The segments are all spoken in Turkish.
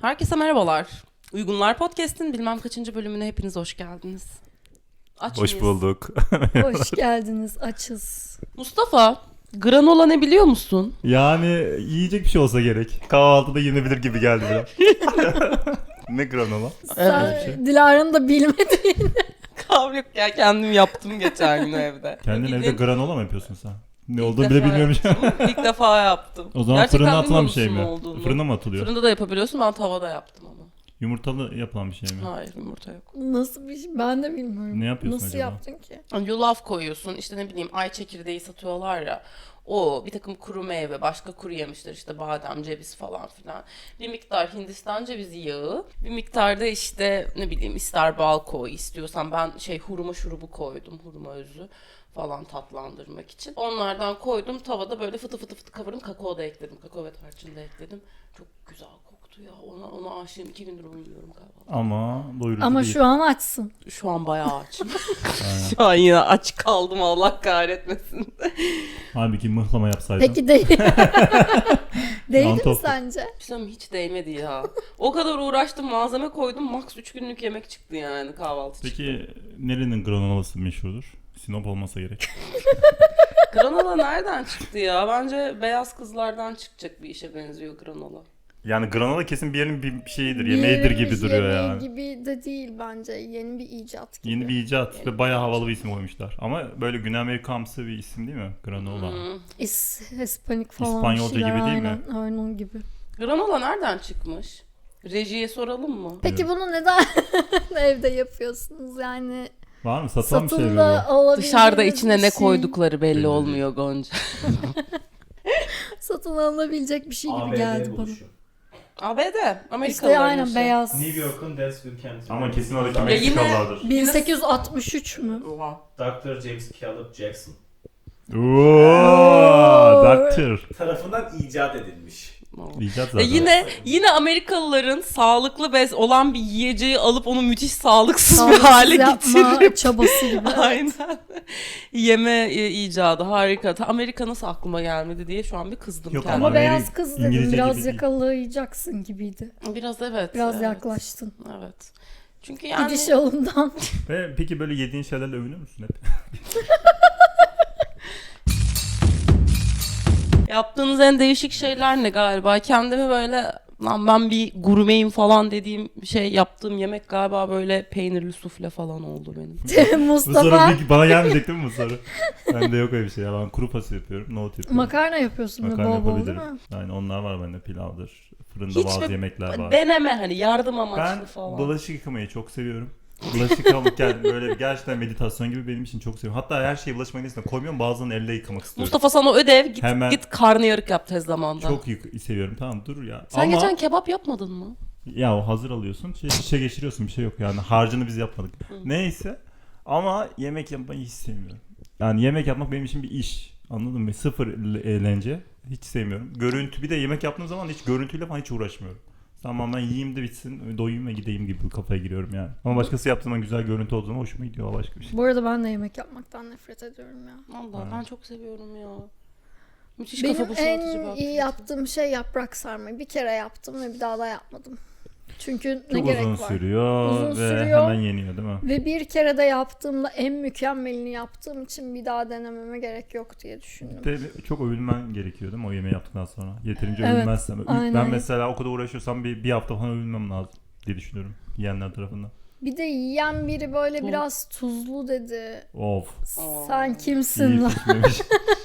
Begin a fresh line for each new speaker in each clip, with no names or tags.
Herkese merhabalar. Uygunlar Podcast'in bilmem kaçıncı bölümüne hepiniz hoş geldiniz. Aç
Hoş
mıyız?
bulduk.
Hoş geldiniz, açız.
Mustafa, granola ne biliyor musun?
Yani yiyecek bir şey olsa gerek. Kahvaltıda yenebilir gibi geldi biraz. Ne granola?
Sen Dilara'nın da bilmediğin.
Kavga yok ya, kendim yaptım geçen gün evde.
Kendin evde
Bildiğin-
granola mı yapıyorsun sen? Ne
İlk
olduğunu
defa
bile bilmiyormuş.
yaptım. İlk defa yaptım.
O zaman
Gerçekten
fırına atılan bir şey
bilmiyor
mi?
musun olduğunu?
Fırına mı atılıyor?
Fırında da yapabiliyorsun, ben tavada yaptım ama.
Yumurtalı yapılan bir şey mi?
Hayır, yumurta yok.
Nasıl bir şey? Ben de bilmiyorum.
Ne yapıyorsun
Nasıl
acaba?
yaptın ki?
Yulaf koyuyorsun, işte ne bileyim ay çekirdeği satıyorlar ya. O bir takım kuru meyve, başka kuru yemişler işte badem, ceviz falan filan. Bir miktar Hindistan cevizi yağı, bir miktar da işte ne bileyim ister bal koy istiyorsan ben hurma şurubu koydum, hurma özü falan tatlandırmak için. Onlardan koydum tavada böyle fıtı fıtı fıtı kavurdum, kakao da ekledim, kakao ve tarçın da ekledim. Çok güzel koktu ya, ona aşığım, 2 gündür onu yiyorum galiba.
Ama doyurucu
Ama
değil.
şu an açsın.
Şu an bayağı açım. Şu an yine aç kaldım, Allah kahretmesin.
Halbuki mıhlama yapsaydın.
Peki değil. Değdi mi
Mantop.
sence?
Pisam hiç değmedi ya. O kadar uğraştım, malzeme koydum. Max 3 günlük yemek çıktı yani kahvaltı çıktı.
Peki nerenin granolası meşhurdur? Sinop olmasa gerek.
Granola nereden çıktı ya? Bence beyaz kızlardan çıkacak bir işe benziyor granola.
Yani granola kesin bir yerin bir şeyidir, yemeğidir gibi duruyor
yemeği
yani.
gibi de değil bence. Yeni bir icat gibi.
Yeni bir icat ve bayağı havalı bir isim koymuşlar. Ama böyle Güney Amerikamsı bir isim değil mi? Granola.
Hispanik falan.
İspanyolca
bir şeyler,
gibi değil mi?
Aynen onun gibi.
Granola nereden çıkmış? Rejiye soralım mı?
Peki bunu neden evde yapıyorsunuz? Yani
Var mı? Satılan bir şey mi
satında
bu?
alabildiğiniz
Dışarıda içine
bir
ne
şey,
koydukları belli
Belli
olmuyor Gonca.
satın alınabilecek bir şey gibi
ABD
geldi bana.
buluşu.
ABD,
İşte
Amerikalıların
aynen
işi.
beyaz.
New York'un Dalesville kenti.
Ama kesin oradaki
Ya yine-
Meksikalılardır.
1863 mü?
Oha.
Dr. James Caleb Jackson
Ooo, Doctor.
tarafından icat edilmiş.
İcat
Ya
zaten.
yine Amerikalıların sağlıklı bez olan bir yiyeceği alıp onu müthiş sağlıksız bir
Sağlıksız
hale
yapma
getirip
çabası gibi.
aynen yeme icadı harika. Amerika nasıl aklıma gelmedi diye şu an bir kızdım
Yok
kendime.
Ama
Ameri-
beyaz kız dedim,
İngilizce
biraz
gibi değil.
yakalayacaksın gibiydi.
Biraz evet.
Biraz
evet.
yaklaştın.
Evet. Çünkü yani
Gidiş yolundan.
Ve peki böyle yediğin şeylerle övünüyor musun hep?
yaptığınız en değişik şeyler ne galiba? Kendimi böyle lan ben bir gurmeyim falan dediğim şey yaptığım yemek galiba böyle peynirli sufle falan oldu benim.
Bu soru
Mustafa
bana gelmeyecek değil mi bu soru? Bende yok öyle bir şey ya. Ben kuru fasulye yapıyorum, nohut yapıyorum.
makarna yapıyorsun böyle
Makarna
bol bol değil
yapabilirim.
mi?
Yani onlar var bende, pilavdır. Fırında
Hiç
bazı
mi-
yemekler var.
Deneme hani yardım amaçlı
Ben
falan.
bulaşık yıkamayı çok seviyorum. Bulaşık yıkamak yani böyle gerçekten meditasyon gibi benim için çok seviyorum. Hatta her şeyi bulaşık makinesine koymuyorum, bazılarını elle yıkamak istiyorum.
Mustafa sana ödev git
Hemen-
git karnıyarık yap tez zamanda.
Çok seviyorum, tamam dur ya.
Sen geçen kebap yapmadın mı?
Ya o hazır alıyorsun, şişe geçiriyorsun, bir şey yok yani, harcını biz yapmadık. Neyse, ama yemek yapmayı hiç sevmiyorum. Yani yemek yapmak benim için bir iş, anladın mı? Sıfır eğlence, hiç sevmiyorum. Görüntü, bir de yemek yaptığım zaman hiç görüntüyle falan hiç uğraşmıyorum. Tamam, ben yiyeyim de bitsin, doyayım ve gideyim gibi bir kafaya giriyorum yani. Ama başkası yaptığında güzel görüntü olduğu zaman hoşuma gidiyor, o başka bir şey.
Bu arada ben de yemek yapmaktan nefret ediyorum ya.
Vallahi ben çok seviyorum ya. Müthiş
Benim
kafa boşaltıcı bir
en iyi
aktivite.
yaptığım şey yaprak sarmayı. Bir kere yaptım ve bir daha da yapmadım. Çünkü ne
Çok
gerek
uzun
var?
sürüyor
Uzun
ve
sürüyor.
hemen yeniyor değil mi?
Ve bir kere de yaptığımda en mükemmelini yaptığım için bir daha denememe gerek yok diye düşündüm.
De çok övülmen gerekiyor değil mi o yemeği yaptıktan sonra? Yeterince
Evet,
övülmezsem.
aynen.
Ben mesela o kadar uğraşıyorsam bir hafta falan övülmem lazım diye düşünüyorum yiyenler tarafından.
Bir de yiyen biri böyle
Bu-
biraz tuzlu dedi.
Of.
Sen kimsin
İyi
lan?
pişmemiş.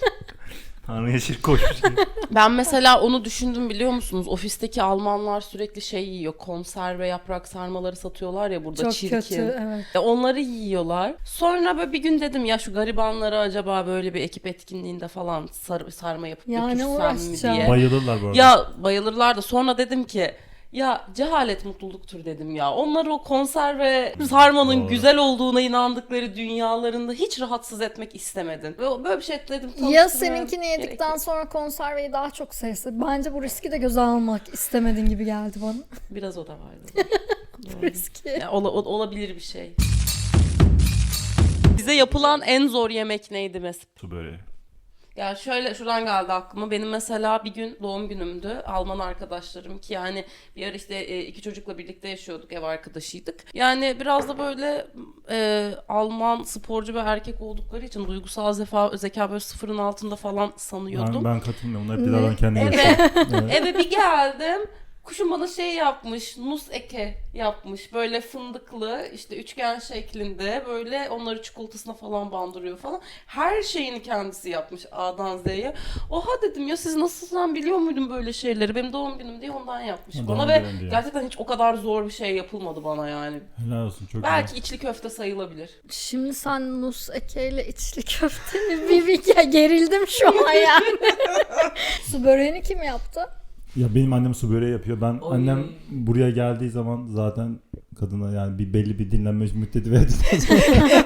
Tanrı'ya şirk koşmuş gibi.
Ben mesela onu düşündüm biliyor musunuz? Ofisteki Almanlar sürekli şey yiyor. Konserve yaprak sarmaları satıyorlar ya burada
Çok
çirkin.
kötü, evet.
Onları yiyorlar. Sonra böyle bir gün dedim ya şu garibanları acaba böyle bir ekip etkinliğinde falan sarma yapıp
Ya ne
götürsem mi
uğraşacağım?
diye.
Bayılırlar bu arada.
Ya bayılırlar da sonra dedim ki ya cehalet mutluluktur dedim ya. Onlar o konserve sarmanın
Doğru.
güzel olduğuna inandıkları dünyalarında hiç rahatsız etmek istemedin. Ve böyle bir şey dedim.
Ya
tanıştırmaya
seninkini
gerek
yedikten
yok.
sonra konserveyi daha çok sevse. Bence bu riski de göze almak istemedin gibi geldi bana.
Biraz o da vardı. Doğru.
Riski.
Ya, olabilir bir şey. Size yapılan en zor yemek neydi Mesut?
Su böreği.
Ya şöyle şuradan geldi aklıma. Benim mesela bir gün doğum günümdü. Alman arkadaşlarım ki yani bir ara işte iki çocukla birlikte yaşıyorduk. Ev arkadaşıydık. Yani biraz da böyle Alman sporcu ve erkek oldukları için duygusal zeka böyle sıfırın altında falan sanıyordum.
Ben katılmıyorum. Onlar hep
Ne?
dilardan kendi
Evet.
yaşıyor. Evet.
Eve bir geldim. Kuşum bana şey yapmış, nus eke yapmış. Böyle fındıklı, işte üçgen şeklinde. Böyle onları çikolatasına falan bandırıyor falan. Her şeyini kendisi yapmış A'dan Z'ye. Oha dedim ya, siz nasıl, sen biliyor muydun böyle şeyleri? Benim doğum günüm diye ondan yapmış
Ha,
bana
doğum
ve
günün diye.
gerçekten hiç o kadar zor bir şey yapılmadı bana yani.
Helal olsun, çok
Belki
güzel.
içli köfte sayılabilir.
Şimdi sen Nus Eke'yle içli köfteni bir gerildim şu an yani. Su böreğini kim yaptı?
Ya benim annem su böreği yapıyor. Ben
Oy.
annem buraya geldiği zaman zaten kadına yani bir belli bir dinlenme müddeti verdikten sonra.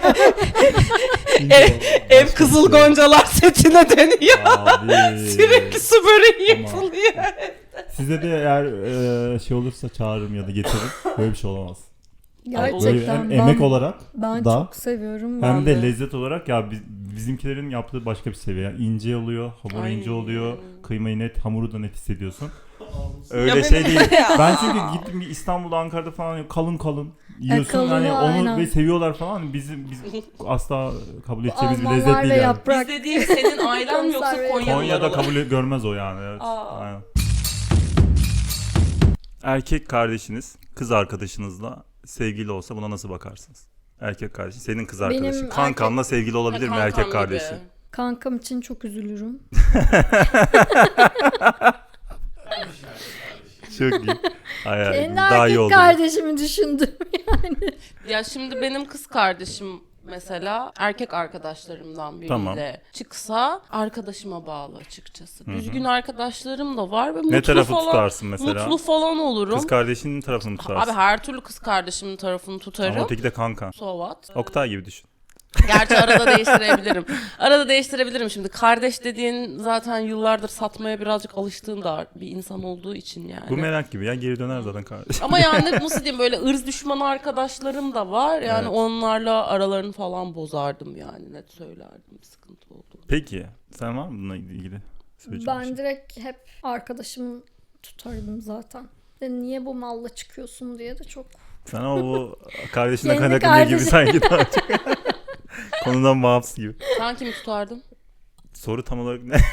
Ev Kızıl Goncalar setine dönüyor.
Abi.
Sürekli su böreği
Ama-
yapılıyor.
Size de eğer şey olursa çağırırım ya da getiririm. Böyle bir şey olamaz. Böyle
Gerçekten
hem emek olarak
ben
da
çok seviyorum.
hem
Ben
de
de.
lezzet olarak ya bizimkilerin yaptığı başka bir seviye. Yani ince oluyor, hamur
Ay.
ince oluyor, kıymayı net, hamuru da net hissediyorsun.
Ya
Öyle
benim-
şey değil.
Ya.
Ben çünkü gittim İstanbul'da, Ankara'da falan kalın kalın yiyorsun
kalın,
hani onu
aynen.
ve seviyorlar falan. Biz asla kabul
Bu
edeceğimiz bir
Almanlar
lezzet
ve
değil yani.
yaprak.
Biz dediğim senin ailen mi yoksa
Konserve.
Konyalılar
Konya'da
olarak?
kabul görmez o yani. Evet.
Aa.
Aynen. Erkek kardeşiniz kız arkadaşınızla sevgili olsa buna nasıl bakarsınız? Erkek kardeşin, senin kız
Benim
arkadaşın. Kankanla sevgili olabilir mi
Kankam
erkek
gibi.
kardeşin?
Kankam için çok üzülürüm.
Çok iyi. Hayır,
Kendi
daha iyi
erkek
oldu.
kardeşimi düşündüm.
Ya şimdi benim kız kardeşim mesela erkek arkadaşlarımdan biriyle
Tamam.
çıksa arkadaşıma bağlı açıkçası. Düzgün arkadaşlarım da var ve mutlu
Ne tarafı
falan,
tutarsın mesela?
mutlu falan olurum.
Kız kardeşinin tarafını mı tutarsın?
Abi her türlü kız kardeşimin tarafını tutarım.
Ama öteki de kankan.
So what?
Oktay gibi düşün.
Gerçi arada değiştirebilirim. Arada değiştirebilirim şimdi. Kardeş dediğin zaten yıllardır satmaya birazcık alıştığın da bir insan olduğu için yani.
Bu merak gibi ya, geri döner zaten kardeş.
Ama yani nasıl diyeyim, böyle ırz düşmanı arkadaşlarım da var. Yani
Evet.
onlarla aralarını falan bozardım yani, net söylerdim. Sıkıntı oldu.
Peki sen var mı bununla ilgili söyleyeceğin bir
Ben
şey?
direkt hep arkadaşımı tutardım zaten. De niye bu malla çıkıyorsun diye de çok.
Sana bu kardeşine
Kendi
kaynaklanıyor gibi
kardeşi.
sanki daha çok. Konudan bağımsız gibi.
Sen kimi tutardın?
Soru tam olarak ne?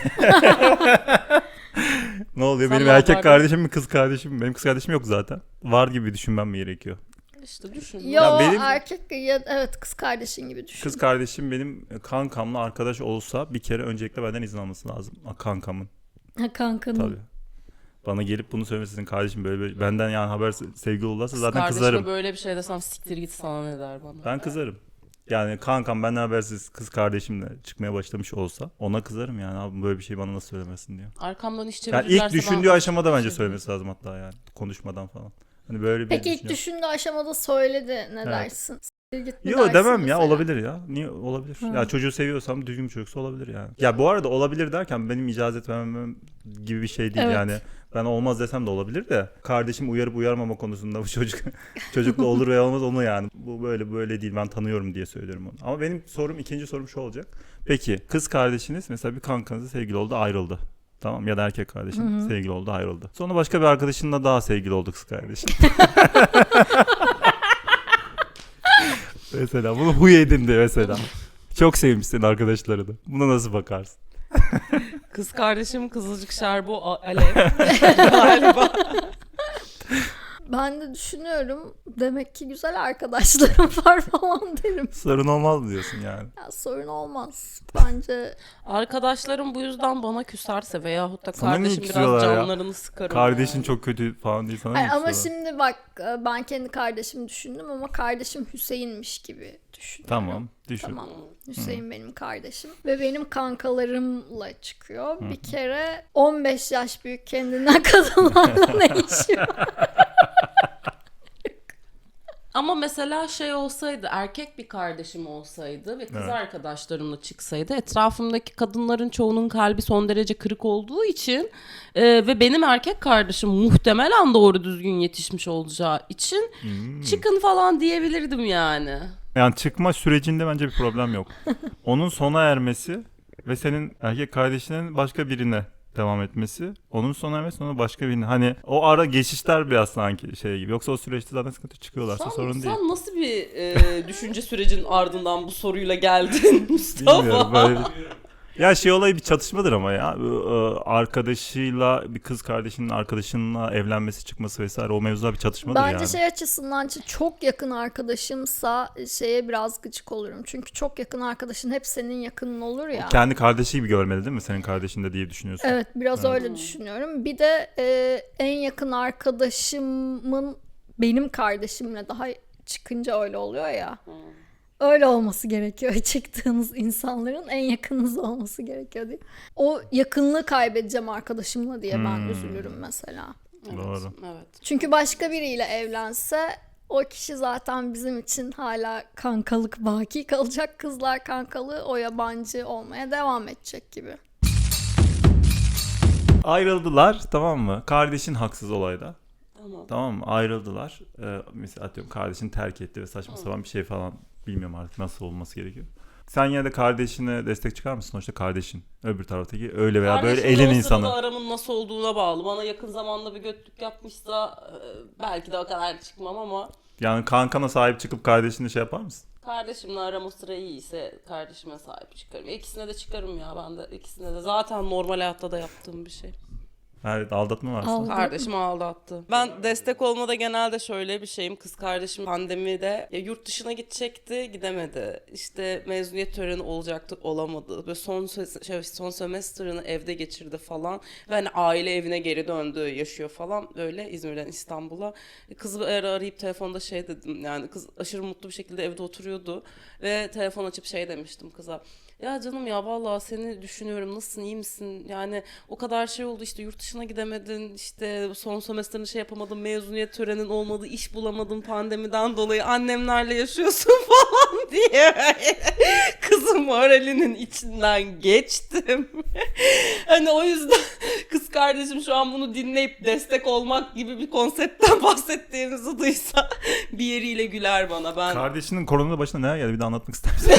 Ne oluyor?
Sen
Benim
ne
erkek
yapardın?
kardeşim mi kız kardeşim mi? Benim kız kardeşim yok zaten. Var gibi düşünmem mi gerekiyor?
İşte düşün.
Yo
benim-
erkek ya evet kız kardeşin gibi düşün.
Kız kardeşim benim kankamla arkadaş olsa bir kere öncelikle benden izin alması lazım. Kankamın
Ha, kankanın.
tabii. Bana gelip bunu söylemesin, kardeşim böyle benden yani haber sevgili olursa
Kız
zaten
kardeşime
kızarım.
böyle bir şey desem siktir git sana ne der bana.
Ben kızarım. Yani kankam benden habersiz kız kardeşimle çıkmaya başlamış olsa ona kızarım yani, abi böyle bir şey bana nasıl söylemezsin diyor.
Arkamdan iş
Yani
çevirirlerse
ilk düşündüğü
ben-
aşamada bence söylemesi lazım hatta yani konuşmadan falan. Hani böyle bir
Peki ilk
düşünüyorum.
düşündüğü aşamada söyledi ne
Evet.
dersin? Siktir git mi
Yo
dersin
demem ya,
mesela?
olabilir ya. Niye olabilir?
Ha.
Ya çocuğu seviyorsam düzgün bir çocuksa olabilir yani. Ya bu arada olabilir derken benim icazet vermem gibi bir şey değil
Evet.
yani. Ben olmaz desem de olabilir de kardeşim uyarıp uyarmama konusunda bu çocukla olur veya olmaz onu yani. Bu böyle değil, ben tanıyorum diye söylüyorum onu. Ama benim ikinci sorum şu olacak. Peki kız kardeşiniz mesela bir kankanızla sevgili oldu, ayrıldı. Tamam, ya da erkek kardeşin sevgili oldu, ayrıldı. Sonra başka bir arkadaşınla daha sevgili oldu kız kardeşin. Mesela bunu huy edindi mesela. Çok sevmişsin arkadaşları da. Buna nasıl bakarsın?
Kız kardeşim Kızılcık Şerbo Alev galiba.
Ben de düşünüyorum demek ki güzel arkadaşlarım var falan derim.
Sorun olmaz mı diyorsun yani?
Ya sorun olmaz. Bence
Arkadaşlarım bu yüzden bana küserse veyahut da
Sana niye
kardeşim biraz
küsüyorlar ya?
canlarını sıkarım.
Kardeşin
yani.
çok kötü falan değil sana
hayır,
mı
ama
küsüyorlar?
şimdi bak ben kendi kardeşimi düşündüm ama kardeşim Hüseyin'miş gibi düşünüyorum.
Tamam, düşün.
Tamam. Hüseyin benim kardeşim ve benim kankalarımla çıkıyor. Bir kere 15 yaş büyük kendinden kadınlarla ne işi var?
Ama mesela şey olsaydı, erkek bir kardeşim olsaydı ve kız
Evet.
arkadaşlarımla çıksaydı, etrafımdaki kadınların çoğunun kalbi son derece kırık olduğu için ve benim erkek kardeşim muhtemelen doğru düzgün yetişmiş olacağı için çıkın falan diyebilirdim yani.
Yani çıkma sürecinde bence bir problem yok. Onun sona ermesi ve senin erkek kardeşinin başka birine devam etmesi, onun sonra ve sonra başka birine. Hani o ara geçişler biraz sanki şey gibi. Yoksa o süreçte zaten sıkıntı çıkıyorlarsa sorun değil.
Sen nasıl bir düşünce sürecinin ardından bu soruyla geldin Mustafa?
Bilmiyorum böyle ya şey olayı bir çatışmadır ama ya. Arkadaşıyla bir kız kardeşinin arkadaşınınla evlenmesi çıkması vesaire o mevzular bir çatışmadır
Bence
yani.
şey açısından çok yakın arkadaşımsa şeye biraz gıcık olurum. Çünkü çok yakın arkadaşın hep senin yakının olur ya.
Kendi kardeşi gibi görmeli değil mi senin kardeşin de diye düşünüyorsun.
Evet, biraz öyle düşünüyorum. Bir de en yakın arkadaşımın benim kardeşimle daha çıkınca öyle oluyor ya. Öyle olması gerekiyor. Çıktığınız insanların en yakınınız olması gerekiyor diye. O yakınlığı kaybedeceğim arkadaşımla diye ben üzülürüm mesela.
Doğru.
Evet.
Çünkü başka biriyle evlense o kişi zaten bizim için hala kankalık baki kalacak. Kızlar kankalığı o yabancı olmaya devam edecek gibi.
Ayrıldılar, tamam mı? Kardeşin haksız olayda.
Tamam.
Tamam mı? Ayrıldılar. Mesela atıyorum kardeşin terk etti ve saçma sapan bir şey falan, bilmiyorum artık nasıl olması gerekiyor. Sen yine de kardeşine destek çıkar mısın? Sonuçta kardeşin öbür taraftaki öyle veya böyle
Kardeşimle
elin
o sırada
insanı.
aramın nasıl olduğuna bağlı. Bana yakın zamanda bir götlük yapmışsa belki de o kadar çıkmam ama
Yani kankana sahip çıkıp kardeşine şey yapar mısın?
kardeşimle aram o sıra iyiyse kardeşime sahip çıkarım. İkisine de çıkarım ya, ben de ikisine de. Zaten normal hayatta da yaptığım bir şey.
Evet, aldatma varsa.
Aldatma.
Kardeşim aldattı. Ben destek olmada genelde şöyle bir şeyim. Kız kardeşim pandemide yurt dışına gidecekti, gidemedi. İşte mezuniyet töreni olacaktı, olamadı. Böyle son semester'ını evde geçirdi falan. Ve hani aile evine geri döndü, yaşıyor falan. Öyle İzmir'den İstanbul'a. Kızı arayıp telefonda şey dedim. Yani kız aşırı mutlu bir şekilde evde oturuyordu. Ve telefon açıp şey demiştim kıza. Ya canım ya vallahi seni düşünüyorum, nasılsın, iyi misin? Yani o kadar şey oldu, işte yurt dışına gidemedin, işte son semestrını şey yapamadın, mezuniyet törenin olmadı, iş bulamadın pandemiden dolayı, annemlerle yaşıyorsun falan diye kızın moralinin içinden geçtim. Hani o yüzden kız kardeşim şu an bunu dinleyip destek olmak gibi bir konseptten bahsettiğimizi duysa bir yeriyle güler bana. Ben
Kardeşinin korona başına neler geldi bir de anlatmak ister misin?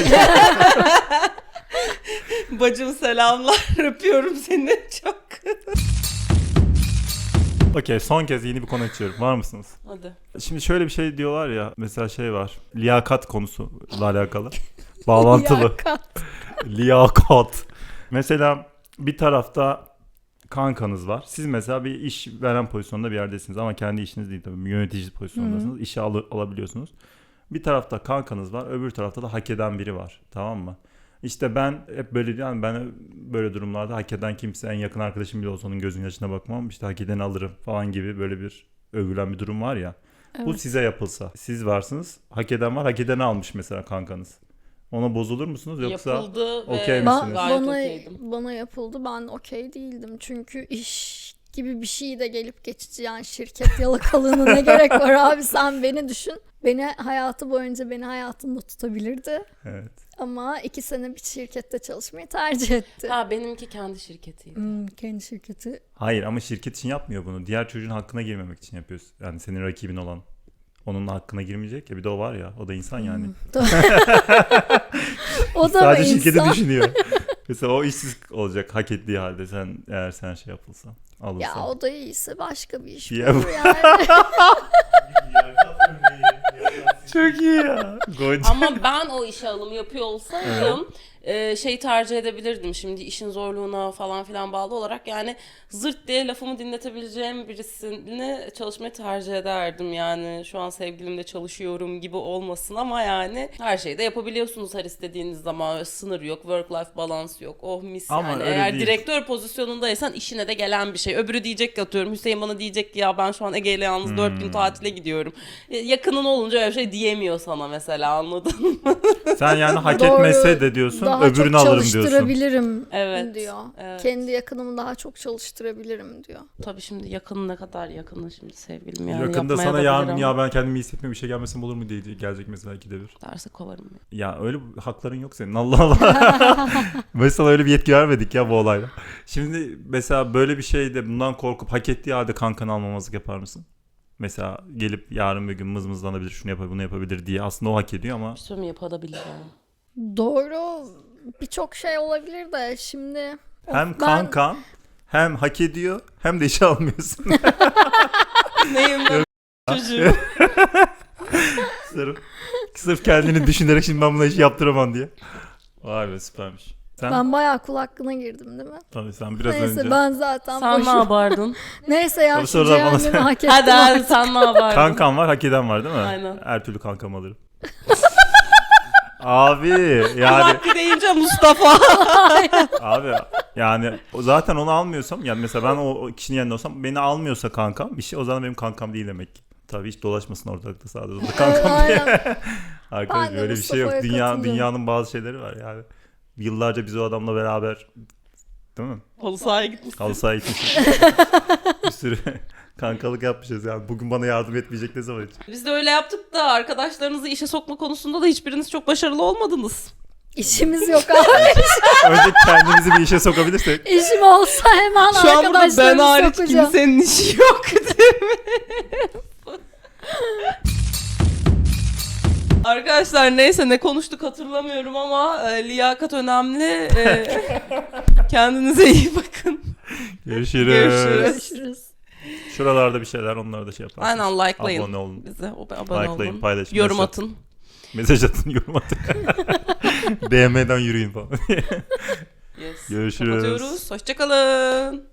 bacım selamlar, öpüyorum seni çok.
Okey, son kez yeni bir konu açıyorum. Var mısınız?
Hadi.
Şimdi şöyle bir şey diyorlar ya. Mesela şey var. Liyakat konusuyla alakalı. Bağlantılı.
Liyakat.
Liyakat. Mesela bir tarafta kankanız var. Siz mesela bir iş veren pozisyonda bir yerdesiniz ama kendi işiniz değil tabii. Yönetici pozisyondasınız. İşe alabiliyorsunuz. Bir tarafta kankanız var. Öbür tarafta da hak eden biri var. Tamam mı? İşte ben hep böyle diyorum. Ben böyle durumlarda hak eden kimse, en yakın arkadaşım bile olsa onun gözünün yaşına bakmam. İşte hak edeni alırım falan gibi böyle bir övülen bir durum var ya.
Evet.
Bu size yapılsa. Siz varsınız. Hak eden var. Hak edeni almış mesela kankanız. Ona bozulur musunuz yoksa?
Yapıldı ve
okey misiniz?
gayet okeydim.
Bana yapıldı, ben okey değildim. Çünkü iş gibi bir şey de gelip geçici, yani şirket yalakalığına ne gerek var abi, sen beni düşün. Beni hayatı boyunca beni hayatında tutabilirdi.
Evet.
Ama 2 sene bir şirkette çalışmayı tercih etti.
Ha, benimki kendi şirketiydi.
Kendi şirketi.
Hayır ama şirket için yapmıyor bunu. Diğer çocuğun hakkına girmemek için yapıyorsun. Yani senin rakibin olan. Onun hakkına girmeyecek ya. Bir de o var ya. O da insan yani.
O da
Sadece
mı
şirketi
insan?
düşünüyor. Mesela o işsiz olacak hak ettiği halde eğer sen şey yapılsan. Alırsan.
Ya o da iyiyse başka bir iş
Ya
bulur yani.
Çok iyi ya. Gonca.
Ama ben o işe alım yapıyor olsaydım şey tercih edebilirdim. Şimdi işin zorluğuna falan filan bağlı olarak yani zırt diye lafımı dinletebileceğim birisini çalışmayı tercih ederdim. Yani şu an sevgilimle çalışıyorum gibi olmasın ama yani her şeyi de yapabiliyorsunuz her istediğiniz zaman. Sınır yok, work-life balance yok. Oh mis
Ama
yani.
öyle
Eğer
değil.
direktör pozisyonundaysan işine de gelen bir şey. Öbürü diyecek ki, atıyorum Hüseyin bana diyecek ki ya ben şu an Ege'yle yalnız 4 gün tatile gidiyorum. Yakının olunca öyle bir şey diyemiyor sana mesela, anladın mı?
Sen yani hak
Doğru.
etmese de diyorsun
Daha
öbürünü
çok
alırım diyorsun.
çalıştırabilirim
Evet,
diyor.
evet.
Kendi yakınımı daha çok çalıştırabilirim diyor.
Tabii şimdi yakın ne kadar yakını şimdi sevgilim yani
Yakında
yapmaya
sana
da
yarın
bilir
ya
ama
ben kendimi iyi hissetmiyorum bir şey gelmesem olur mu diye gelecek mesela ikide bir.
derse kovarım ya.
Ya öyle hakların yok senin, Allah Allah. Mesela öyle bir yetki vermedik ya bu olayla. Şimdi mesela böyle bir şeyde bundan korkup hak ettiği halde kankanı almamazlık yapar mısın? Mesela gelip yarın bir gün mızmızlanabilir, şunu yapabilir, bunu yapabilir diye aslında o hak ediyor ama
Bir sürü yapabilir yani.
Doğru birçok şey olabilir de şimdi
Hem
ben-
kankan hem hak ediyor hem de işe almıyorsun.
Neyim ben çocuğum.
sırf kendini düşünerek şimdi ben buna iş yaptıramam diye. Vay be süpermiş. Sen
ben bayağı kul hakkına girdim değil mi?
tabii sen biraz
Neyse
önce
ben zaten
Sen ne
boşum.
yapardın?
Neyse ya
Tabii
şu
sorular bana
cehennemi hak ettim
Hadi hadi
artık.
sen ne yapardın?
kankan var, hak eden var değil mi?
Aynen.
Her türlü kankam alırım. Abi yani
Hakkı deyince Mustafa.
abi yani zaten onu almıyorsam yani mesela ben o kişinin yanında olsam beni almıyorsa kankam bir şey o zaman benim kankam değil demek ki. Tabii hiç dolaşmasın ortalıkta sağda solda kankam diye.
Aynen.
Arkadaş
Ben de
böyle bir şey yok.
Mustafa'ya katılıyorum.
Dünyanın bazı şeyleri var yani. Yıllarca biz o adamla beraber değil mi?
Halı sahaya gitmişsin.
Halı sahaya gitmişiz. Bir sürü kankalık yapmışız yani. Bugün bana yardım etmeyecek ne zaman hiç?
Biz de öyle yaptık da arkadaşlarınızı işe sokma konusunda da hiçbiriniz çok başarılı olmadınız.
İşimiz yok abi.
Önce kendimizi bir işe sokabilirsek.
İşim olsa hemen
Şu an burada ben
arkadaşlarımı
hariç
sokacağım.
kimsenin işi yok değil mi? Arkadaşlar neyse ne konuştuk hatırlamıyorum ama liyakat önemli. Kendinize iyi bakın.
Görüşürüz.
Görüşürüz.
Şuralarda bir şeyler onları da şey yaparsınız.
Aynen likelayın.
Abone olun.
Bize abone
Likelayın,
olun.
paylaşın.
Yorum
mesaj-
atın.
Mesaj atın, yorum atın. DM'den yürüyün falan.
Yes.
Görüşürüz.
Kapatıyoruz. Hoşçakalın.